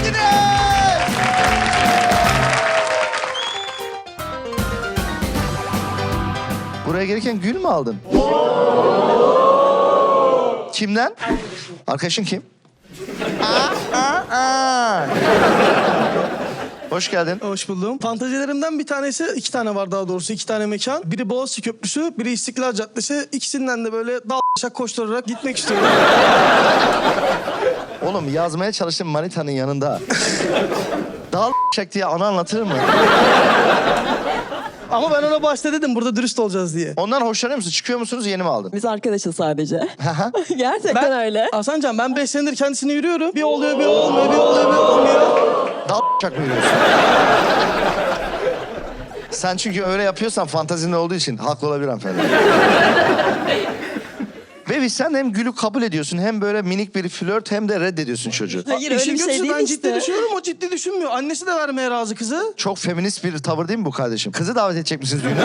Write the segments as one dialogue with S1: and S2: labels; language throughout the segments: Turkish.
S1: geldiniz. Buraya gelirken gül mü aldın? Kimden? Arkadaşın kim? Hoş geldin.
S2: Hoş buldum. Fantazilerimden bir tanesi, iki tane var daha doğrusu, iki tane mekan. Biri Boğaziçi Köprüsü, biri İstiklal Caddesi. İkisinden de böyle dal koşturarak gitmek istiyorum.
S1: Oğlum yazmaya çalıştığım manitanın yanında dal diye anı anlatır mı?
S2: Ama ben ona başta dedim burada dürüst olacağız diye.
S1: Ondan hoşlanıyor musun? Çıkıyor musunuz? Yeni mi aldın?
S3: Biz arkadaşız sadece.
S1: Hı.
S3: Gerçekten öyle.
S2: Hasancan ben 5 senedir kendisini yürüyorum. Bir oluyor, bir olmuyor, bir oluyor, bir olmuyor.
S1: Dal mı yürüyorsun? Sen çünkü öyle yapıyorsan fantazinde olduğu için haklı olabilir hanımefendi. Bebi sen hem gülü kabul ediyorsun hem böyle minik bir flört hem de reddediyorsun çocuğu.
S3: Hayır öyle
S2: İşin
S3: bir şey
S2: kötüsü
S3: değil
S2: ben ciddi
S3: işte.
S2: düşünüyorum, o ciddi düşünmüyor. Annesi de vermeye razı kızı.
S1: Çok feminist bir tavır değil mi bu kardeşim? Kızı davet edecek misiniz düğüne?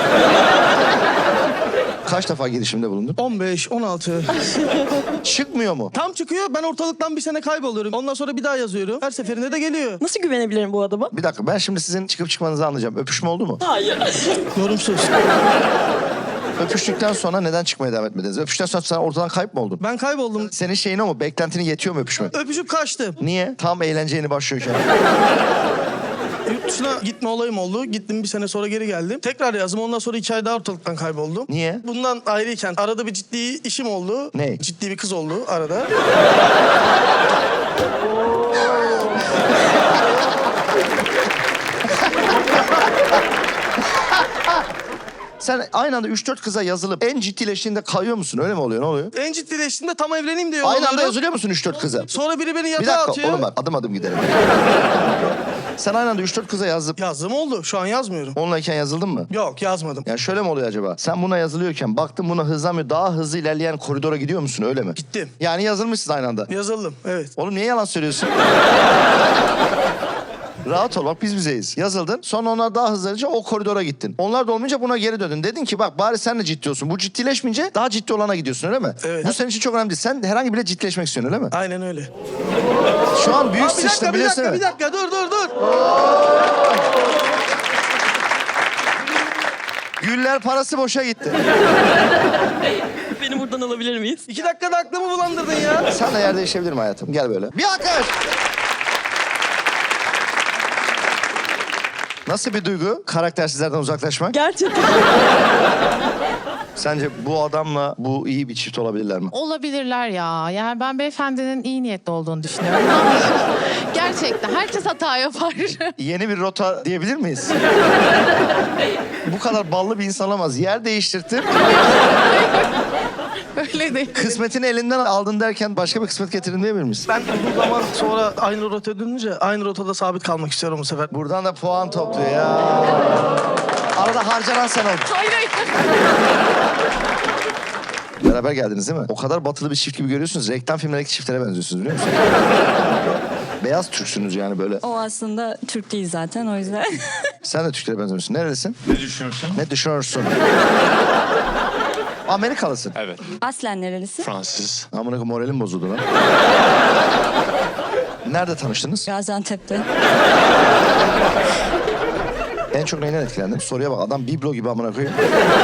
S1: Kaç defa girişimde bulundun?
S2: 15, 16.
S1: Çıkmıyor mu?
S2: Tam çıkıyor, ben ortalıktan bir sene kayboluyorum. Ondan sonra bir daha yazıyorum. Her seferinde de geliyor.
S3: Nasıl güvenebilirim bu adama?
S1: Bir dakika ben şimdi sizin çıkıp çıkmanızı anlayacağım. Öpüşme oldu mu?
S3: Hayır.
S2: Yorumsuz.
S1: Öpüştükten sonra neden çıkmaya devam etmediniz? Öpüştükten sonra sen ortadan kayıp mı oldun?
S2: Ben kayboldum.
S1: Senin şeyin o mu? Beklentinin yetiyor mu öpüşmek?
S2: Öpüşüp kaçtım.
S1: Niye? Tam eğlence yeni başlıyorken.
S2: Yurt dışına gitme olayım oldu. Gittim, bir sene sonra geri geldim. Tekrar yazdım. Ondan sonra 2 ay daha ortalıktan kayboldum.
S1: Niye?
S2: Bundan ayrıyken arada bir ciddi işim oldu.
S1: Ne?
S2: Ciddi bir kız oldu arada.
S1: Sen aynı anda 3-4 kıza yazılıp en ciddileştiğinde kayıyor musun? Öyle mi oluyor? Ne oluyor?
S2: En ciddileştiğinde tam evleneyim diye
S1: Aynı anda
S2: yolluyorum.
S1: yazılıyor musun 3-4 kıza?
S2: Sonra biri beni
S1: Bir
S2: yatağa
S1: dakika
S2: atıyor.
S1: oğlum bak adım adım gidelim. Sen aynı anda 3-4 kıza yazıp
S2: Yazdım oldu. Şu an yazmıyorum.
S1: onunlayken yazıldın mı?
S2: Yok, yazmadım.
S1: Yani şöyle mi oluyor acaba? Sen buna yazılıyorken baktın buna hızlanmıyor. Daha hızlı ilerleyen koridora gidiyor musun öyle mi?
S2: Gittim.
S1: Yani yazılmışsın aynı anda.
S2: Yazıldım, evet.
S1: Oğlum niye yalan söylüyorsun? Rahat ol bak biz bizeyiz. Yazıldın sonra onlar daha hızlıca o koridora gittin. Onlar da olmayınca buna geri döndün. Dedin ki bak bari sen de ciddi olsun. Bu ciddileşmeyince daha ciddi olana gidiyorsun öyle mi?
S2: Evet.
S1: Bu senin için çok önemli değil. Sen herhangi bile ciddileşmek istiyorsun öyle mi?
S2: Aynen öyle.
S1: Şu an büyük
S2: Aa, bir
S1: sıçtın
S2: dakika, bir
S1: biliyorsun
S2: dakika,
S1: değil
S2: bir
S1: mi?
S2: dakika. Dur.
S1: Güller parası boşa gitti.
S3: Beni buradan alabilir miyiz?
S2: 2 dakikada aklımı bulandırdın ya.
S1: Sen de yer değişebilir mi hayatım? Gel böyle. Bir alkış. Nasıl bir duygu karaktersizlerden uzaklaşmak?
S3: Gerçekten.
S1: Sence bu adamla bu iyi bir çift olabilirler mi?
S4: Olabilirler ya. Yani ben beyefendinin iyi niyetli olduğunu düşünüyorum. Gerçekten herkes hata yapar.
S1: Yeni bir rota diyebilir miyiz? Bu kadar ballı bir insan olamaz. Yer değiştirtip
S4: Öyle değil.
S1: kısmetini elinden aldın derken başka bir kısmet getirin diyebilir miyiz?
S2: Ben uzun zaman sonra aynı rotaya dönünce aynı rotada sabit kalmak istiyorum bu sefer.
S1: Buradan da puan topluyor ya. Arada harcanan sen oldun.
S4: Hayır.
S1: Beraber geldiniz değil mi? O kadar batılı bir çift gibi görüyorsunuz. Reklam filmlerindeki çiftlere benziyorsunuz biliyor musunuz? Beyaz Türksünüz yani böyle.
S3: O aslında Türk değil zaten o yüzden.
S1: Sen de Türklere benziyorsun. Nerelisin?
S5: Ne düşünüyorsun?
S1: Ne düşünüyorsun? Amerikalısın.
S5: Evet.
S3: Aslen nerelisin?
S5: Fransız.
S1: Amına koyayım moralim bozuldu lan. Nerede tanıştınız?
S3: Gaziantep'te.
S1: En çok neyden etkilendin? Soruya bak adam biblo gibi amına koyayım.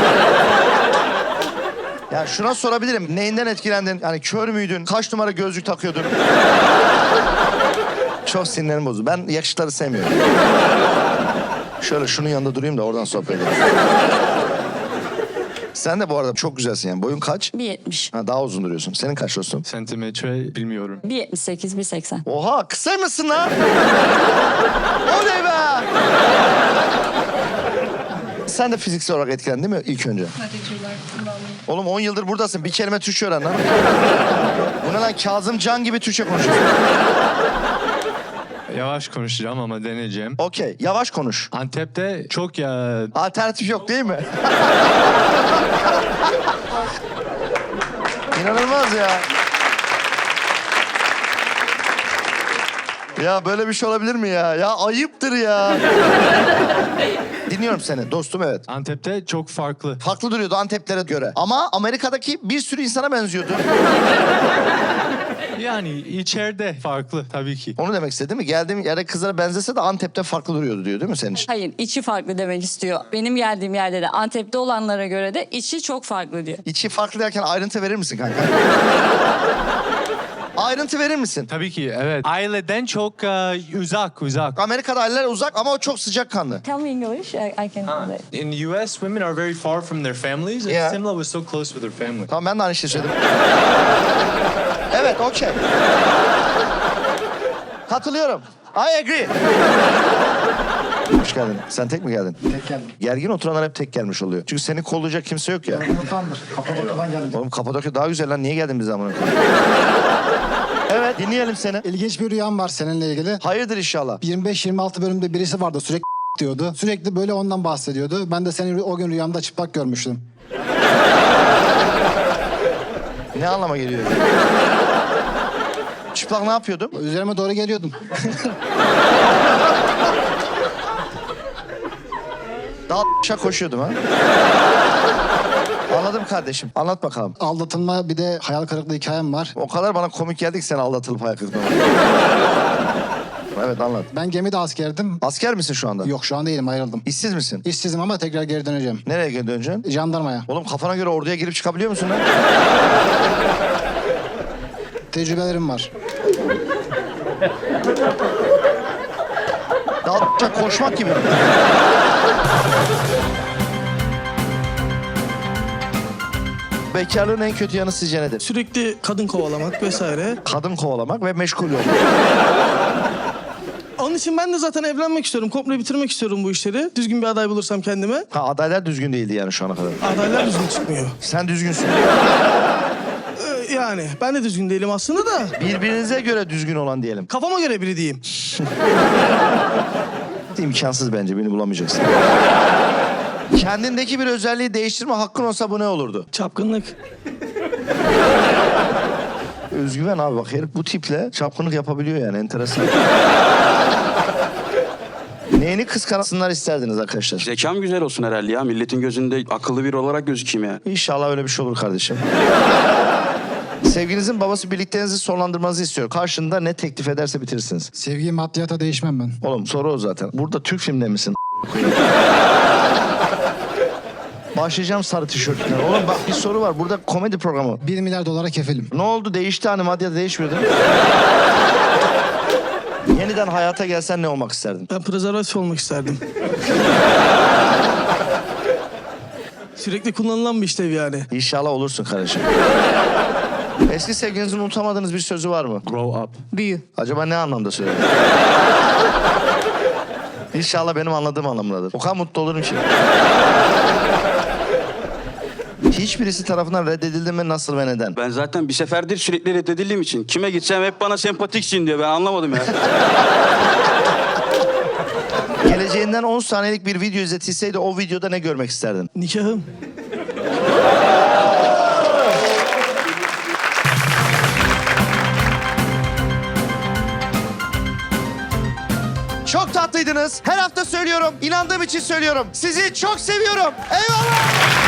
S1: Ya şuna sorabilirim. Neyinden etkilendin? Yani kör müydün? Kaç numara gözlük takıyordun? Çok sinirlerim bozuldu. Ben yakışıkları sevmiyorum. Şöyle şunun yanında durayım da oradan sohbet edelim. Sen de bu arada çok güzelsin yani. Boyun kaç?
S3: 1.70.
S1: Ha, daha uzun duruyorsun. Senin kaç dostum?
S5: Santimetre bilmiyorum.
S3: 1.78, 1.80.
S1: Oha kısaymışsın lan. Oley be. Sen de fiziksel olarak etkilendin değil mi ilk önce? Oğlum 10 yıldır buradasın. Bir kelime Türkçe öğren lan. Bu ne lan Kazım Can gibi Türkçe konuşuyorsun.
S5: Yavaş konuşacağım ama deneyeceğim.
S1: Okey yavaş konuş.
S5: Antep'te çok ya...
S1: Alternatif yok değil mi? İnanılmaz ya. Ya böyle bir şey olabilir mi ya? Ya ayıptır ya. Dinliyorum seni dostum evet.
S5: Antep'te çok farklı.
S1: Farklı duruyordu Anteplere göre. Ama Amerika'daki bir sürü insana benziyordu.
S5: Yani içeride farklı tabii ki.
S1: Onu demek istedi değil mi? Geldiğim yere kızlara benzese de Antep'te farklı duruyordu diyor değil mi senin için?
S3: Hayır, içi farklı demek istiyor. Benim geldiğim yerde de Antep'te olanlara göre de içi çok farklı diyor.
S1: İçi farklı derken ayrıntı verir misin kanka? Ayrıntı verir misin?
S5: Tabii ki evet. Aileden çok uzak.
S1: Amerika'da aileler uzak ama o çok sıcakkanlı.
S3: Tell me English, I can...
S5: In US, women are very far from their families. And
S1: Yeah.
S5: Simla was so close with her family.
S1: Tamam ben de aynı şeyi söyledim. Evet, okey. Katılıyorum. I agree. Hoş geldin. Sen tek mi geldin?
S6: Tek geldim.
S1: Gergin oturanlar hep tek gelmiş oluyor. Çünkü seni kollayacak kimse yok ya.
S6: Mutandır. Kapadokya'dan geldim.
S1: Oğlum Kapadokya daha güzel lan. Niye geldin bize amına koyayım? Evet, dinleyelim seni.
S6: İlginç bir rüyam var seninle ilgili.
S1: Hayırdır inşallah.
S6: 25-26 bölümde birisi vardı sürekli diyordu. Sürekli böyle ondan bahsediyordu. Ben de seni o gün rüyamda çıplak görmüştüm.
S1: Ne anlama geliyor? Çıplak ne yapıyordum?
S6: Üzerime doğru geliyordun.
S1: Daha koşuyordum ha. Anladım kardeşim. Anlat bakalım.
S6: Aldatılma bir de hayal kırıklığı hikayem var.
S1: O kadar bana komik geldi ki sen aldatılıp ayak kırdın. Evet anlat.
S6: Ben gemide askerdim.
S1: Asker misin şu anda?
S6: Yok şu an değilim ayrıldım.
S1: İşsiz misin?
S6: İşsizim ama tekrar geri döneceğim.
S1: Nereye geri döneceksin?
S6: Jandarmaya.
S1: Oğlum kafana göre orduya girip çıkabiliyor musun lan?
S6: Tecrübelerim var.
S1: Daha koşmak gibi. Bekarlığın en kötü yanı sizce nedir?
S2: Sürekli kadın kovalamak vesaire.
S1: Kadın kovalamak ve meşgul olmak.
S2: Onun için ben de zaten evlenmek istiyorum. Komple bitirmek istiyorum bu işleri. Düzgün bir aday bulursam kendime.
S1: Ha, adaylar düzgün değildi yani şu ana kadar.
S2: Adaylar düzgün çıkmıyor.
S1: Sen düzgünsün.
S2: Yani ben de düzgün değilim aslında da.
S1: Birbirinize göre düzgün olan diyelim.
S2: Kafama göre biri diyeyim.
S1: İmkansız bence, beni bulamayacaksın. Kendindeki bir özelliği değiştirme hakkın olsa bu ne olurdu?
S2: Çapkınlık.
S1: Özgüven abi, bak herif bu tiple çapkınlık yapabiliyor yani, enteresan. Neyini kıskansınlar isterdiniz arkadaşlar?
S7: Zekam güzel olsun herhalde ya. Milletin gözünde akıllı biri olarak gözükeyim ya.
S1: İnşallah öyle bir şey olur kardeşim. Sevginizin babası birlikteliğinizi sonlandırmanızı istiyor. Karşında ne teklif ederse bitirirsiniz.
S6: Sevgiyi maddiyata değişmem ben.
S1: Oğlum soru o zaten. Burada Türk filmde misin? Başlayacağım sarı tişörtüne. Oğlum bak bir soru var. Burada komedi programı.
S6: 1 milyar dolara kefilim.
S1: Ne oldu? Değişti hani, maddiyat değişmiyordu. Yeniden hayata gelsen ne olmak isterdin?
S2: Ben prezervatif olmak isterdim. Sürekli kullanılan bir işlev yani.
S1: İnşallah olursun kardeşim. Eski sevgilinizin unutamadığınız bir sözü var mı?
S5: Grow up.
S3: Büyü.
S1: Acaba ne anlamda söyledi? İnşallah benim anladığım anlamındadır. O kadar mutlu olurum ki. Hiçbirisi tarafından reddedildi mi, nasıl ve neden?
S7: Ben zaten bir seferdir sürekli reddedildiğim için. Kime gitsem hep bana sempatiksin diyor. Ben anlamadım ya.
S1: Geleceğinden 10 saniyelik bir video izletilseydi o videoda ne görmek isterdin?
S2: Nikahım.
S1: Çok tatlıydınız. Her hafta söylüyorum. İnandığım için söylüyorum. Sizi çok seviyorum. Eyvallah.